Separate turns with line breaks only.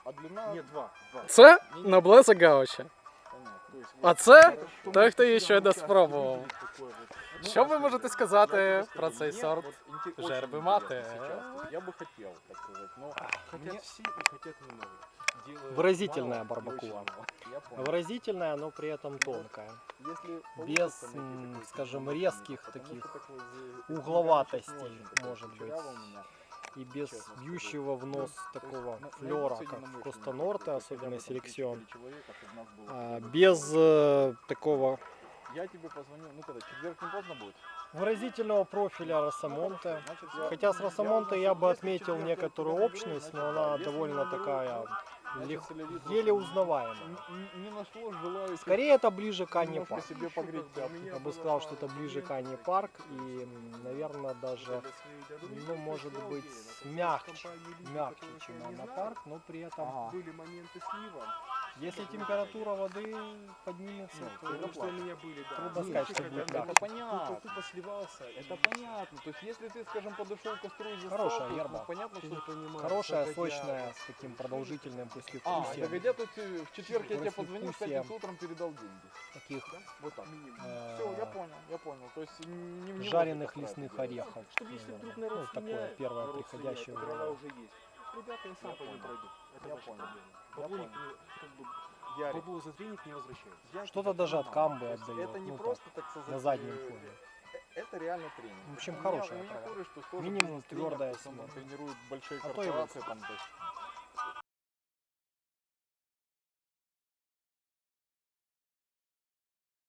А длина...
Нет, два.
Це Ноблеса Гауча. А це той, хто її щойно спробував. Що ви можете сказати про цей сорт жерби мати?
Я бы хотел, так сказать, но...
Хотят все и хотят немного.
Выразительная барбакуа.
Я понял.
Выразительная, но при этом тонкая.
Если
Без, скажем, резких таких угловатостей, может быть. И без бьющего в нос такого флера, как в Коста Норте, особенно селекцион. Без такого
Я тебе позвоню, ну когда, четверг не поздно будет?
выразительного профиля Росомонте. Хотя с Росомонте я бы отметил некоторую общность, но она довольно такая еле узнаваемая.
Не нашло желающих.
Скорее это ближе к Анне
Немножко
Парк.
себе погреть пятки.
Я бы сказал, что это ближе к Анне Парк и, наверное, даже, ну, может быть, мягче, чем Анна Парк, но при этом,
Были моменты слива.
если температура воды поднимется, то
Потому что у меня были, да.
трудно сказать, что будет
Это
мягче.
понятно.
Тупо сливался.
Это понятно. То есть если ты, скажем, подошел к костру и застал,
Хорошая
то,
ерба.
ну, понятно, что...
Хорошая, сочная, с таким продолжительным послевкусием.
догодя, тут в четверг я тебе позвонил, в
Послевкусие.
пятницу утром передал деньги.
Таких
Вот так.
э,
Все, я понял. То есть не
жареных
вот это
лесных
правильно.
орехов.
Чтобы если вдруг народ
Ну, такое
слиняет,
первое
народ
приходящее
слиняет,
в
трава
голову.
уже есть. Ребята, я сам по ним пройду. Это
Я
ваша
понял.
проблема.
Я
Баблоник,
понял.
как бы,
Ярик,
бабло за треник не возвращается.
я
Что-то
тебя
даже от
понимаю.
камбы
То есть
отдает,
Это не
ну,
просто, так сказать,
на заднем фоне.
Это реально тренинг.
В общем,
У меня-
хорошая
у меня
трава.
кореш, то есть тоже
Минимум
бизнес-тренер,
твердая
то есть он
семена.
тренирует большие
А то и
корпорации, там, то есть